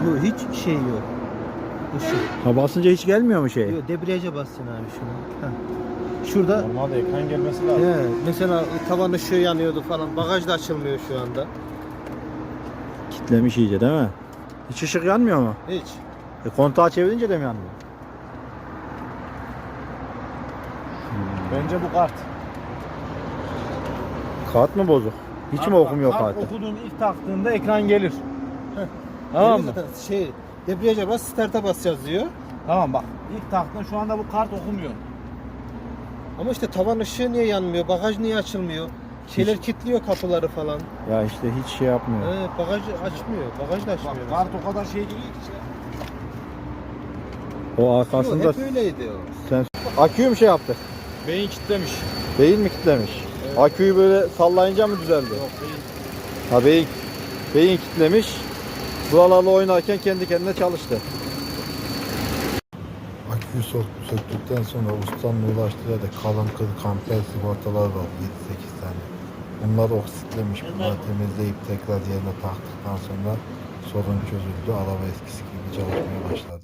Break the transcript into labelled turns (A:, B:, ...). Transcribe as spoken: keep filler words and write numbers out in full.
A: Yok, hiç şey yok. Işık.
B: Ha, basınca hiç gelmiyor mu şey?
A: Yok, debriyaja bassın abi şunu. Heh. Şurada
C: Normalde ekran gelmesi lazım.
A: he, mesela tavan ışığı yanıyordu falan. Bagaj da açılmıyor şu anda.
B: Kitlemiş iyice değil mi? Hiç ışık yanmıyor mu?
A: Hiç.
B: E, kontağı çevirince de mi yanmıyor?
C: Bence bu kart.
B: Kart mı bozuk? Hiç
C: Kart-
B: mi okumuyor
C: kart
B: kartı?
C: okuduğun ilk taktığında ekran gelir. Tamam mı?
A: Zaten şey, debriyaja bas, start'a basacağız diyor.
C: Tamam bak. İlk taktığında şu anda bu kart okumuyor.
A: Ama işte tavan ışığı niye yanmıyor? Bagaj niye açılmıyor? Şeyler kilitliyor kapıları falan.
B: Ya işte hiç şey yapmıyor.
A: Evet, bagaj açmıyor. Bagaj da
C: Bak
A: açmıyor.
C: kart o kadar şey değil ki.
B: O
A: Yok,
B: arkasında
A: hep öyleydi o.
B: sen aküyü mü şey yaptı?
C: Beyin kilitlemiş.
B: Beyin mi kitlemiş?
C: Evet.
B: Aküyü böyle sallayınca mı düzeldi?
C: Yok beyin.
B: Ha, beyin beyin kitlemiş. Buralarla oynarken kendi kendine çalıştı.
D: Aküyü sök- söktükten sonra ustanın ulaştığı da kalın kıl kamper sigortalar var yedi sekiz tane. Bunlar oksitlemiş. Bunları temizleyip tekrar yerine taktıktan sonra sorun çözüldü. Araba eskisi gibi çalışmaya başladı.